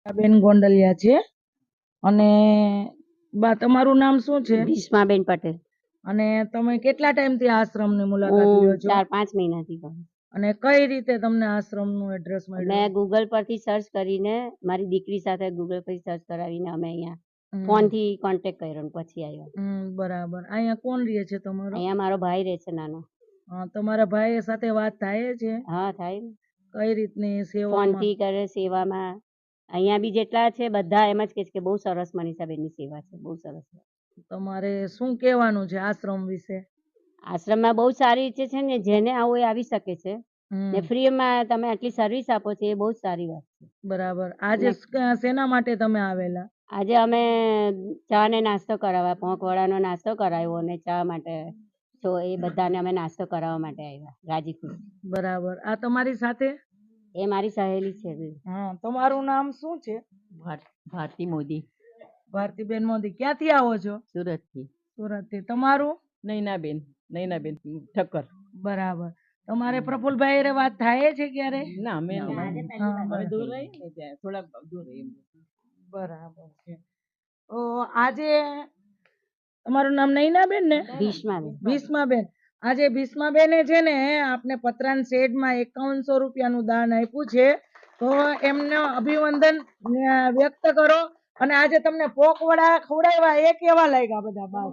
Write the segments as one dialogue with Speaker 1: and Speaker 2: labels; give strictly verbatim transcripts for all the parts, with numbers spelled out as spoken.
Speaker 1: બેન ગોંડલિયા છે અને બા તમારું નામ શું છે?
Speaker 2: ભીષ્માબેન પટેલ.
Speaker 1: અને તમે કેટલા ટાઈમથી આશ્રમની મુલાકાત
Speaker 2: હું
Speaker 1: લ્યો છો?
Speaker 2: ચાર પાંચ મહિનાથી કરું.
Speaker 1: અને કઈ રીતે તમને આશ્રમનું એડ્રેસ મળ્યું?
Speaker 2: મેં ગૂગલ પરથી સર્ચ કરીને મારી દીકરી સાથે ગૂગલ પરથી સર્ચ કરાવીને અમે અહીંયા
Speaker 1: હમ.
Speaker 2: ફોનથી કોન્ટેક્ટ કર્યો ને પછી આવ્યો.
Speaker 1: હમ, બરાબર. અહીંયા કોણ રહે છે તમારો?
Speaker 2: અહીંયા મારો ભાઈ રહે છે નાનો.
Speaker 1: હા, તમારા ભાઈ સાથે વાત થાય છે?
Speaker 2: હા થાય ને.
Speaker 1: કઈ રીતની સેવામાં?
Speaker 2: ફોનથી કરે સેવામાં. અહીંયા બી જેટલા છે બધા એમ જ કહે છે કે બહુ સરસ મનીષાબેનની સેવા છે, બહુ સરસ.
Speaker 1: તમારે શું કહેવાનું છે આશ્રમ વિશે?
Speaker 2: આશ્રમમાં બહુ સારી રીતે છે ને, જેને આવું એ આવી શકે છે
Speaker 1: હમ.
Speaker 2: ને ફ્રીમાં તમે આટલી સર્વિસ આપો છો એ બહુ જ સારી વાત છે.
Speaker 1: બરાબર. આજે સ- શેના માટે તમે આવેલા?
Speaker 2: આજે અમે ચા ને નાસ્તો કરાવવા, પોંકવડાનો નાસ્તો કરાવ્યો અને ચા માટે તો એ બધાને અમે નાસ્તો કરાવવા માટે આવ્યા ગાજીપુર.
Speaker 1: બરાબર. આ તમારી સાથે?
Speaker 2: એ મારી સહેલી છે.
Speaker 1: હા, તમારું નામ શું છે?
Speaker 2: ભારતી મોદી.
Speaker 1: ભારતીબેન મોદી. ક્યાંથી આવો છો?
Speaker 2: સુરતથી.
Speaker 1: સુરતથી. તમારું?
Speaker 2: નૈનાબેન. નૈનાબેન ઠક્કર.
Speaker 1: બરાબર. તમારે પ્રફુલભાઈ હારે વાત થાય છે ક્યારે?
Speaker 2: ના અમે
Speaker 1: હા,
Speaker 2: દૂર રહી ને ત્યાં થોડા દૂર રહી.
Speaker 1: બરાબર છે. તો આજે તમારું નામ નૈનાબેન ને?
Speaker 2: ભીષ્માબેન.
Speaker 1: ભીષ્માબેન. આજે ભીષ્માબેને છે ને આપને પતરાન શેડમાં એકાવનસો રૂપિયાનું દાન આપ્યું છે, તો એમને અભિવંદન અ, વ્યક્ત કરો. અને આજે તમને પોકવડા ખવડાવ્યા એ કેવા લાગ્યા બધા બાપ?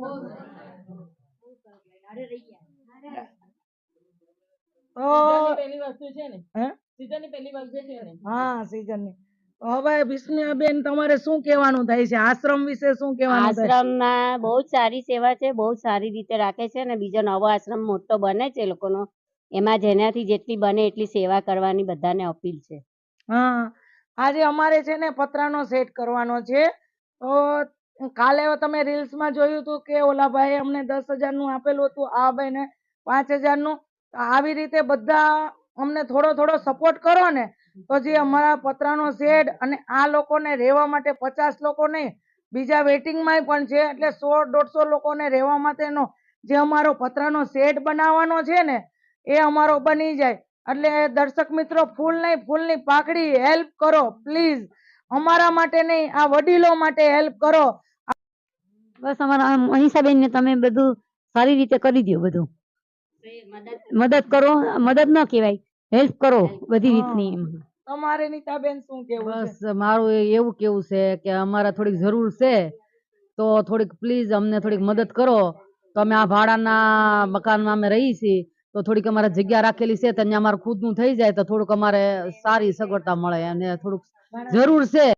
Speaker 1: તો
Speaker 2: પહેલી વસ્તુ છે ને,
Speaker 1: હે?
Speaker 2: સીઝનની પહેલી વસ્તુ છે ને.
Speaker 1: હા, સીઝનની. તો હવે ભીષ્માબેન તમારે શું કહેવાનું થાય છે આશ્રમ વિશે? શું કહેવાનું થાય?
Speaker 2: આશ્રમમાં બહુ જ સારી સેવા છે, બહુ જ સારી રીતે રાખે છે અને બીજો નવો આશ્રમ મોટો બને છે એ લોકોનો, એમાં જેનાથી જેટલી બને એટલી સેવા કરવાની બધાને અપીલ છે.
Speaker 1: હા, આજે અમારે છે ને પતરાનો સેટ કરવાનો છે, તો કાલે તમે રીલ્સમાં જોયું હતું કે ઓલા ભાઈ અમને દસ હજાર નું આપેલું હતું, આ ભાઈ ને પાંચ હજાર નું. તો આવી રીતે બધા અમને થોડો થોડો સપોર્ટ કરો ને, તો જે અમારા પતરાનો શેડ અને આ લોકોને રહેવા માટે પચાસ લોકો નહીં, બીજા વેટિંગમાં પણ છે, એટલે સો દોઢસો લોકોને રહેવા માટેનો જે અમારો પતરાનો શેડ બનાવવાનો છે ને એ અમારો બની જાય. એટલે દર્શક મિત્રો, ફૂલ નહીં ફૂલની પાકડી હેલ્પ કરો પ્લીઝ. અમારા માટે નહીં, આ વડીલો માટે હેલ્પ કરો.
Speaker 3: બસ અમારા મનીષાબેન ને તમે બધું સારી રીતે કરી દો, બધું મદદ કરો. મદદ ન કહેવાય, હેલ્પ કરો બધી રીતની.
Speaker 1: તમારે નીતાબેન શું કેવું છે?
Speaker 3: બસ મારું એવું કેવું છે કે અમારે થોડીક જરૂર છે, તો થોડીક પ્લીઝ અમને થોડીક મદદ કરો. તો અમે આ ભાડાના મકાનમાં અમે રહી છીએ, તો થોડીક અમારે જગ્યા રાખેલી છે, તો અહીંયા અમારે ખુદનું થઈ જાય તો થોડુંક અમારે સારી સગવડતા મળે અને થોડુંક જરૂર છે.